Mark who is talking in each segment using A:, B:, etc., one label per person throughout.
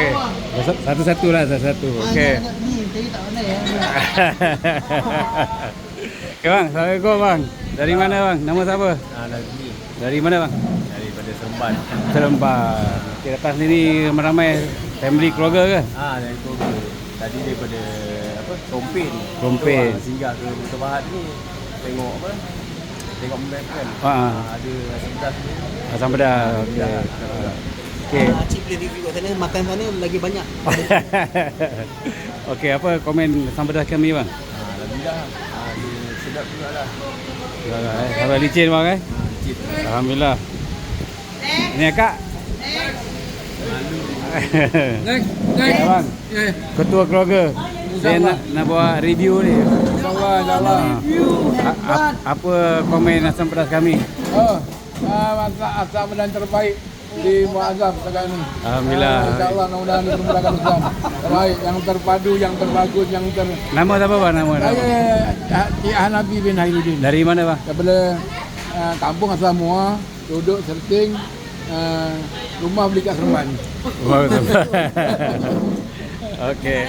A: Okey. Satu-satu lah, satu-satu. Okey.
B: Ni tadi tak pandai ya.
A: Okey bang, Assalamualaikum bang. Dari mana bang? Nama siapa?
C: Nazmi
A: Dari mana bang?
C: daripada Seremban.
A: Seremban. Okey, datang sini ramai family keluarga ke?
C: Dari keluarga. Tadi daripada Rompin.
A: Rompin.
C: Singgah ke Kota Bahat ni tengok tengok map kan. Ada asam pedas ni.
A: Asam pedas. Okey. Okey.
B: Cik boleh review kat sana, makan sana lagi banyak.
A: Okey, apa komen asam pedas kami bang?
C: Alhamdulillah. Dia sedap jugalah.
A: Kalau licin bang
C: Cip.
A: Alhamdulillah. Ini kak. Bang, ketua keluarga. Saya nak buat review ni.
D: InsyaAllah.
A: Apa komen asam pedas kami?
D: Masak asam pedas terbaik di Muazzam sekarang ni.
A: Alhamdulillah.
D: InsyaAllah mudah-mudahan dipermudahkan Islam. Terbaik, yang terpadu, yang terbagus, yang
A: Nama siapa bang? Nama?
D: Saya Cik Hanafi bin Hailuddin.
A: Dari mana bang?
D: Daripada kampung asal Muar, duduk Serting, rumah beli kat Seremban.
A: Okey.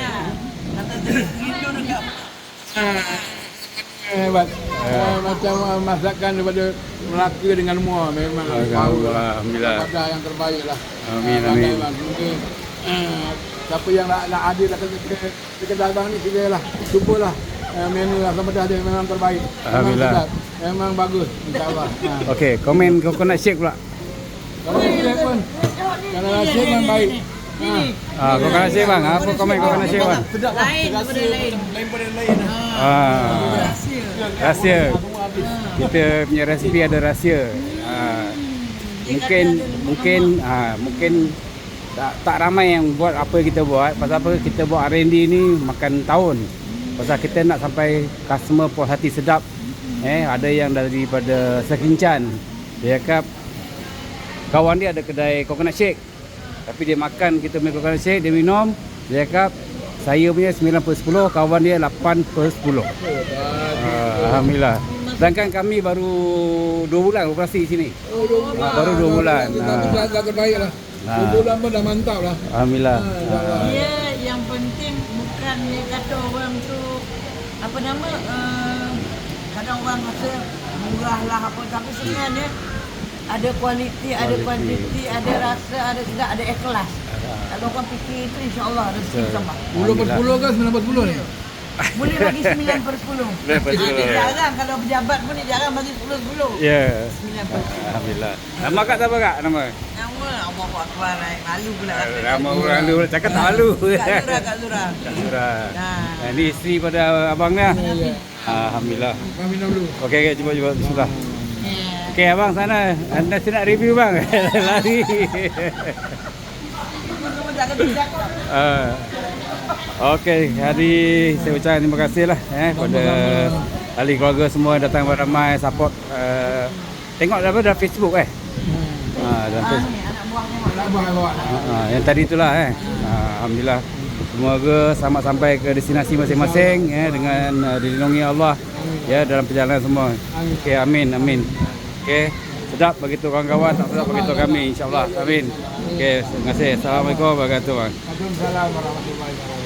D: Hebat. Macam masakan daripada Melaka dengan Muar memang
A: Alhamdulillah.
D: ada yang terbaik lah.
A: Amin, amin.
D: Mungkin siapa yang nak hadir ke kedai abang ni silalah. Cubalah menu asam pedas dia memang terbaik.
A: Alhamdulillah.
D: Memang sedap. Memang bagus insya-Allah.
A: Okey, komen coconut shake pula.
D: Kalau shake pun kalau shake memang baik.
A: Coconut shake bang. Apa komen coconut shake bang?
D: Sedap lah. Lain daripada lain.
A: Rahsia. Kita punya resipi ada rahsia. Mungkin tak ramai yang buat apa yang kita buat. Pasal apa kita buat R&D ni makan tahun. Pasal kita nak sampai customer puas hati sedap. Ada yang daripada Sekincan. Dia cakap kawan dia ada kedai coconut shake. Tapi dia makan kita punya coconut shake, dia minum. Dia cakap saya punya 9/10, kawan dia 8/10. Alhamdulillah. Sedangkan kami baru 2 bulan operasi sini. Baru 2 bulan.
D: Dah terbaik lah. 2 bulan pun dah mantap lah.
A: Alhamdulillah.
E: Dia yang penting bukannya kata orang tu apa nama kadang orang rasa murah lah apa, tapi sebenarnya ada kualiti, ada kuantiti, ada rasa, ada sedap, ada ikhlas. Kalau orang fikir itu insya-Allah rezeki tambah.
D: 10/10 ke 9/10 ni?
E: Boleh bagi 9/10. Jarang kalau pejabat pun dia jarang bagi 10/10.
A: Ya.
E: 9/10.
A: Alhamdulillah. Nama kak siapa kak? Nama?
E: Nama Allahu Akbar. Malu pula rasa.
A: Nama orang dulu cakap tak malu.
E: Kak Zura.
A: Nah, ini isteri pada abang ni. Alhamdulillah.
D: Kau minum dulu.
A: Okey, cuba bismillah. Okey abang sana, anda nak review bang. Lari. Okey, hari saya ucapkan terima kasih lah pada ahli keluarga semua datang beramai support. Tengok dalam Facebook dalam Facebook.
D: Anak buah.
A: Yang tadi itulah alhamdulillah. Semoga selamat sampai ke destinasi masing-masing dengan dilindungi Allah dalam perjalanan semua. Okey, amin. Okey, sedap bagi tu kawan-kawan, tak sedap bagi tu kami insya-Allah. Amin. Okey, terima kasih. Assalamualaikum warahmatullahi wabarakatuh.
D: Waalaikumsalam warahmatullahi wabarakatuh.